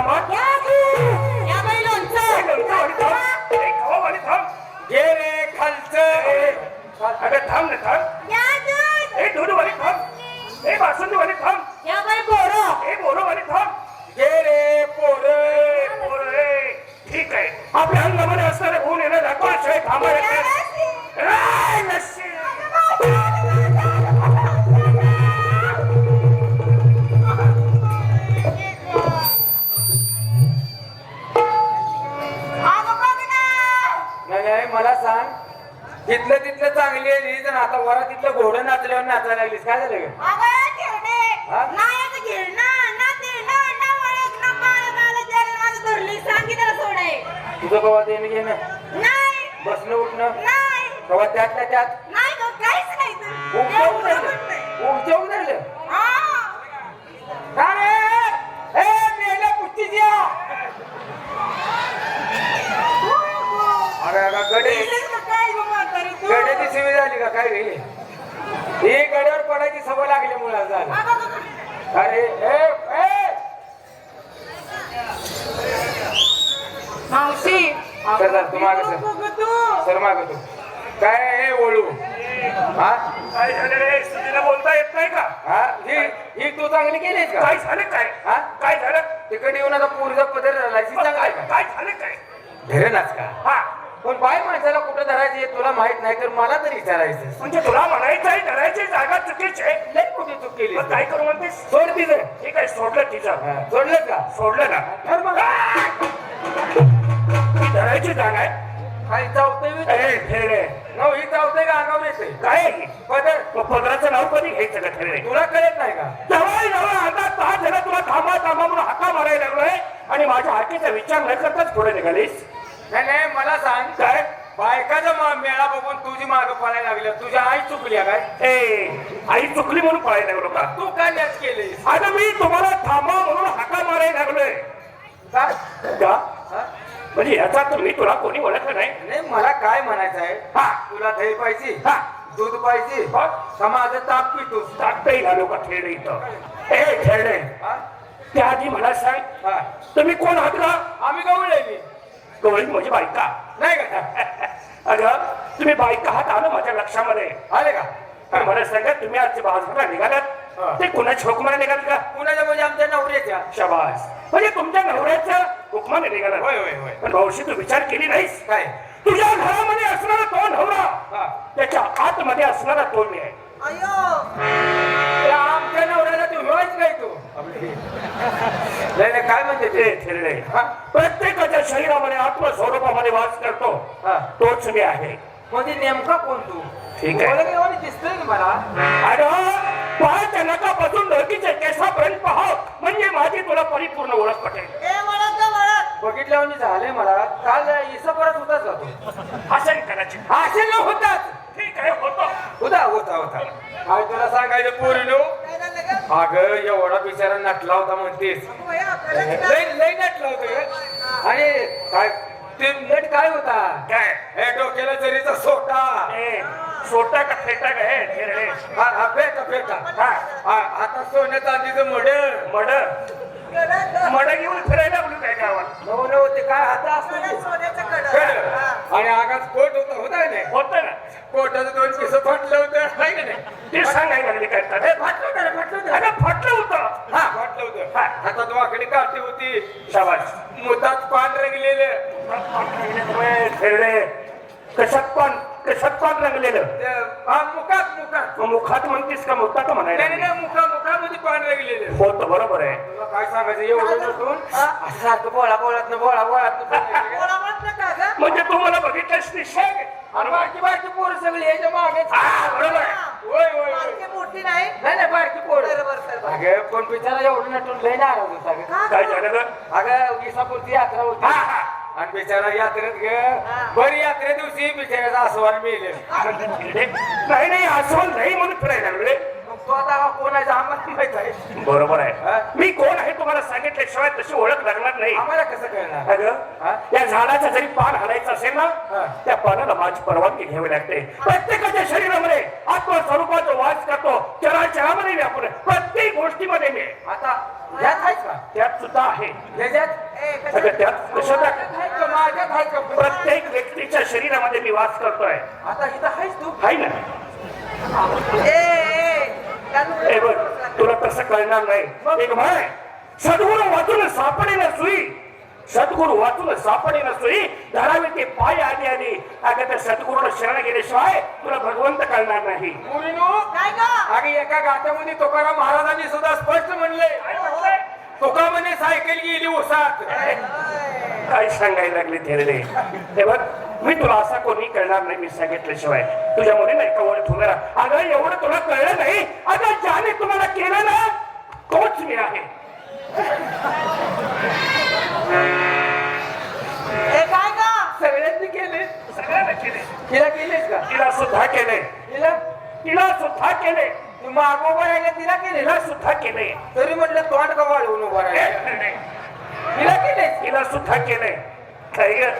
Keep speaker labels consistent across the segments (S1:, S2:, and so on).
S1: थांब
S2: या बाई लोणचं
S1: खावावाली थांब
S3: घे रे खालचं
S1: अगं थांब ना थांब
S2: या दूध
S1: ए दूधवाली थांब ए बासुंदीवाली थांब
S2: या बाई बोरं
S1: ए बोरवाली थांब
S3: घे रे पोर
S1: ठीक आहे आपल्या अंगामध्ये असणारे गुण येणं दाखवाशिवाय थांबायला
S3: नाही मला सांग तिथलं तिथलं चांगली आहे रीत आता वरा तिथलं घोडं नाचल्यावर नाचायला लागलीस काय झालं ग? हा? तुझं कवा देणं घेणं बसणं उठणं कवा त्यातल्या त्यात उगच्या उतरलं का रे ए मेल्या पुष्टीची या. अरे गड्याची शिवी झाली का काय रे ही गड्यावर पडायची सवय लागली मुला झालं अरे
S2: मावशी
S3: तू माग सर माग तू काय हे ओळू हा
S1: काय झालं रे सुनीला बोलता येत नाही का
S3: हा ही तू चांगली केलीस का
S1: काय झालं काय
S3: हा
S1: काय झालं
S3: तिकडे येऊन आता पूर्वीचा पदर राहिला
S1: काय
S3: का
S1: काय झालं काय
S3: धरेनाच का
S1: हा
S3: पण बाय माणसाला कुठं धरायची तुला माहित नाही तर मला तरी विचारायचं
S1: म्हणजे तुला म्हणायचं आहे धरायची जागा चुकीची आहे
S3: लई कुठे चूक केली
S1: मग काय करू म्हणतेस
S3: सोड तिथं
S1: ठीक आहे सोडलं तिचं
S3: सोडलं का
S1: सोडलं ना
S3: धर मग.
S1: धरायची जागा आहे
S3: काही चावतंय
S1: ए, ठेरे.
S3: नव ही चावतंय का अंगावर येते
S1: काय आहे?
S3: पदर
S1: मग पदराचं नाव कधी घ्यायचं का ठेरे
S3: तुला कळत नाही का
S1: जवळ आता 10 जण तुला थांबा थांबा म्हणून हाका मारायला लागलोय आणि माझ्या हाकेचा विचार न करताच पुढे निघालीस
S3: नाही मला सांग
S1: काय
S3: बायकाचा मेळा बघून तुझी माग पळायला लागली तुझ्या आई चुकली काय
S1: ए आई चुकली म्हणून पळायला लागलो का
S3: तू काय लॅच केलीस
S1: आता मी तुम्हाला थांबा म्हणून हाका मारायला लागलोय
S3: काय
S1: का
S3: हा?
S1: म्हणजे याचा तर मी तुला कोणी ओळखलं नाही
S3: नाही मला काय म्हणायचं आहे
S1: हा
S3: तुला दही पाहिजे
S1: हा
S3: दूध पाहिजे
S1: बघ.
S3: का माझं ताप पितोस
S1: टाकताही घालू का खेळ इथं ए खेळणे
S3: हा?
S1: त्याआधी मला सांग
S3: हा.
S1: तुम्ही कोण आहात का
S3: आम्ही गवळे मी
S1: गवळी म्हणजे बायका
S3: नाही का
S1: अगं तुम्ही बायका आहात आलं माझ्या लक्षामध्ये
S3: आले का
S1: पण मला सांगा तुम्ही आज बाजारला
S3: हा.
S1: निघालात ते कुणाच्या हुकमाने निघाल का
S3: कुणाच्या म्हणजे आमच्या नवऱ्याच्या
S1: शाबास म्हणजे तुमच्या नवऱ्याच्या हुकमाने निघालात
S3: होय होय होय
S1: पण भाऊशी तू विचार केली नाहीस
S3: काय
S1: तुझ्या घरामध्ये असणारा तो नवरा
S3: हा.
S1: त्याच्या आतमध्ये असणारा तो मी आहे
S3: त्या आमच्या नवऱ्याला तू होयच काय तू नाही काय म्हणते ते
S1: ते थिरडे
S3: हा?
S1: प्रत्येकाच्या शरीरामध्ये आत्मस्वरूपामध्ये वास करतो
S3: हा.
S1: तोच मी आहे
S3: म्हणजे नेमका कोण तू
S1: ठीक आहे.
S3: मला एवढं दिसतंय की मला
S1: अरे पायाच्या नकापासून डोकीच्या केसापर्यंत पाहाव म्हणजे माझी तुला परिपूर्ण ओळख पटेल
S3: बघितल्यावर झालंय मला काल इसा परत होताच का तू
S1: असेल कदाचित
S3: असेल न होताच
S1: ठीक आहे होतो
S3: होता काय तुला सांगायचं पोरीनो अगं एवढा बिचारा नटला होता म्हणतेस लई नटला होता आणि काय ते नट काय होता
S1: काय
S3: हे डोक्याला जरीचा सोटा
S1: ए, सोटा का फेटा का हे थिरडे
S3: हा फेटा आता सोन्या चांदीचं मड
S1: मड घेऊन फिरायला लागलो काय गावात
S3: नव ते काय हाता असतो आणि आगाच कोट होता नाही
S1: होत ना
S3: कोटाचं 2 पिस फाटलं होतं नाही का नाही
S1: ते सांगायला लागले काय
S3: हे फाटलं होतं
S1: अगं फाटलं होतं
S3: हा फाटलं होतं
S1: हा.
S3: हातात वाकडी काठी होती
S1: शाबास
S3: मुतात पान रंगलेलं
S1: थिरडे कशात पान रंगलेलं
S3: मुखात
S1: मुखात म्हणतीस का मुखात म्हणायला
S3: नाही मुखामध्ये पान रंगलेलं
S1: होत बरोबर आहे
S3: तुला काय सांगायचं एवढं नसून असं सारखं बोळात
S1: म्हणजे तू मला बघितलंस निश्चय
S3: बारकी पोरं सगळी याच्या मागे
S1: बरोबर आहे
S2: मोठी नाही
S3: नाही बारकी पोरं अगं पण बिचारा एवढं नटून लय नाराज होता गं.
S1: काय झालं ग
S3: अगं विसापूरची यात्रा होती
S1: हा, हा.
S3: आणि बिचारा यात्रेत ग बरी यात्रे दिवशी बिचाराचा आसवान मिळेल
S1: नाही आसवण नाही म्हणून फिरायला लागले
S3: तू आता हा कोण आहे आम्हाला माहित आहे.
S1: बरोबर
S3: हा?
S1: आहे. मी कोण आहे तुम्हाला सांगितल्याशिवाय तशी ओळख लागणार नाही.
S3: आम्हाला कसं कळणार? हा?
S1: अगं या झाडाचं जरी पान हलायचं असेल ना
S3: हा.
S1: त्या पानाला माझी परवानगी घ्यावी लागते. प्रत्येकाच्या शरीरामध्ये आत्मस्वरूपाचा वास करतो. चराचरामध्ये व्यापून प्रत्येक गोष्टीमध्ये मी
S3: आता ह्यात आहेस का?
S1: त्यात सुद्धा आहे.
S3: ह्याच्यात?
S1: अगं त्यात कशात
S3: आहेत का? माझ्यात आहेत का?
S1: प्रत्येक व्यक्तीच्या शरीरामध्ये मी वास करतोय.
S3: आता इथं आहेस तू?
S1: आहे ना. ए बघ तुला तसं कळणार नाही. एक म्हण सद्गुरू वाचून सापडेल सुई. सद्गुरू वाचून सापडेल सुई धरावी ते पाय आधी आधी. अगं त्या सद्गुरूला शरण गेल्याशिवाय तुला भगवंत कळणार नाही.
S3: मुलीनो,
S2: काय ग
S3: अगे एका गात्यामध्ये तुकाराम महाराजांनी सुद्धा स्पष्ट म्हणले, तुका म्हणे सायकल गेली उसात.
S1: काय सांगायला लागले थेरडे. हे बघ मी तुला असा कोणी कळणार नाही मी सांगितल्याशिवाय. तुझ्या मुलीला एका ओळख उभे राहा. अगं एवढं तुला कळलं नाही. अगं ज्याने तुम्हाला केलं ना तोच मी आहे.
S2: हे काय ग
S3: सगळ्यांनी केले.
S1: सगळ्यांना केले.
S3: तिला केलेस का?
S1: तिला सुद्धा केले.
S3: तिला
S1: तिला सुद्धा केले.
S3: तू मागोबा राहिला तिला केले ना?
S1: तिला सुद्धा केले.
S3: तरी म्हटलं तोंड का वाढवून उभा राहिला. तिला केलेस?
S1: तिला सुद्धा केले. काय ग?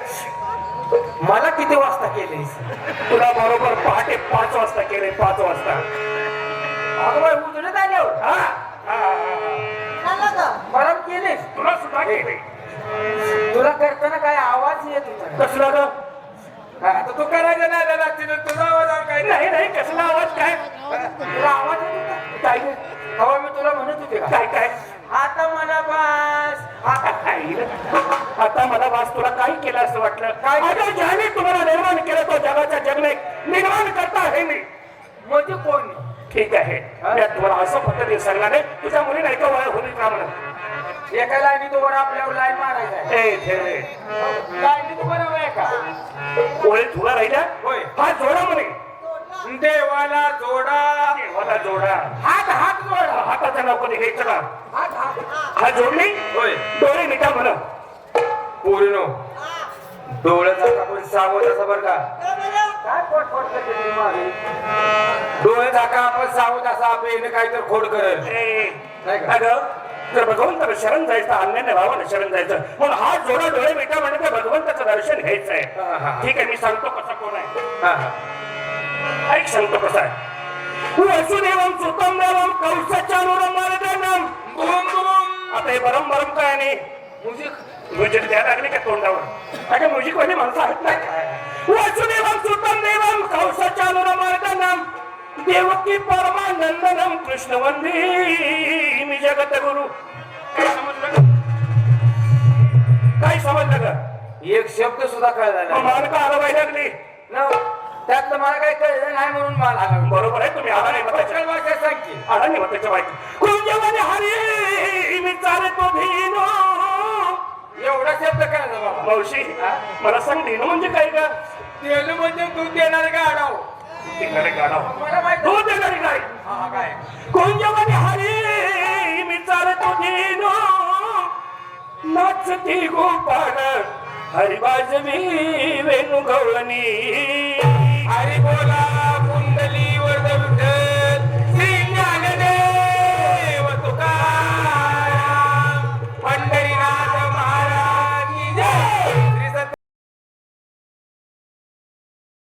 S3: मला किती वाजता केलेस?
S1: तुला बरोबर पहाटे 5 वाजता केले. 5 वाजता.
S3: अगं बाई उजडत आल्यावर
S1: हा? हा.
S2: झालं ग
S3: मला केलेस?
S1: तुला सुद्धा केले.
S3: तुला करताना काय आवाज येत होता?
S1: कसला ग?
S3: आता तू करायचं नाही दादा, तिने तुझा आवाज आला काय?
S1: नाही नाही कसला आवाज काय?
S3: तुला आवाज येत होता?
S1: काय ग?
S3: तेव्हा मी तुला म्हणत होते का?
S1: काय काय?
S3: आता मला बस.
S1: आता मला वास तुला काय केलं असं वाटलं?
S3: काय?
S1: अगं ज्याने तुम्हाला निर्माण केलं तो जगाच्या जगणे निर्माण करता आहे मी.
S3: म्हणजे कोण?
S1: ठीक आहे मी तुम्हाला असं पद्धतीने सांगणार आहे. तुझ्या मुलीला एका वया होईल का म्हणत
S3: एका लाईनी तो वर आपल्यावर लाईन मारायचा.
S1: ए ठेवे
S3: लाईनी तू बरोबर आहे का?
S1: ओळे तुला राहिल्या.
S3: होय.
S1: हा जोडा म्हणे.
S3: देवाला जोडा.
S1: देवाला जोडा.
S3: हात हात जोडा.
S1: हाताच्या नावाने घ्यायचं का?
S3: हात हात.
S1: हा जोडली.
S3: होय.
S1: डोळे मिठा म्हणा.
S3: पूर्ण डोळ्याचा आपण सावध असा बर का? काय पोट करते ती मागे? डोळे झाका आपण सावध असा आपण काहीतरी खोड करेल. नाही का?
S1: अगं जर भगवंताला शरण जायचं अन्यान्य भावाला शरण जायचं म्हणून हा जोडा डोळे मिठा म्हणजे त्या भगवंताचं दर्शन घ्यायचं आहे. ठीक आहे मी सांगतो कसा कोण आहे. ऐक सांगतो कसा आहे. वसुदेवम सुतम देवम कौशचानुरम मार्गनम. आता हे बरम बरम काय आणि म्युझिक द्यायला लागले का तोंडावर? अगं म्युझिक वाले माणसं आहेत ना. वसुदेवम सुतम देवम कौशचानुरम मार्गनम देवकी परमानंदनम कृष्ण वंदे मी जगत गुरु. काय समजलं? काय समजलं का?
S3: एक शब्द सुद्धा कळला नाही.
S1: मान का हलवायला लागली?
S3: न, त्यातलं मला काही कळलं नाही म्हणून मला हलवलं.
S1: बरोबर आहे तुम्ही आला नाही
S3: कोकण भाषा सांग की.
S1: आला नाही त्याच्या माहिती. कुंजवने हरी मी चालतो धीनो.
S3: एवढा शब्द कळला बाबा.
S1: मावशी मला सांग धीनो म्हणजे काय का?
S3: तेल म्हणजे दूध देणारे गाडाव.
S1: देणारे गाढव.
S3: मला माहित
S1: दूध देणारी गाय.
S3: हा काय?
S1: कुंजवने हरी मी चालतो धीनो. नाचती गोपाळ हरी वाजवी वेणू गवळणी.
S3: हरी बोला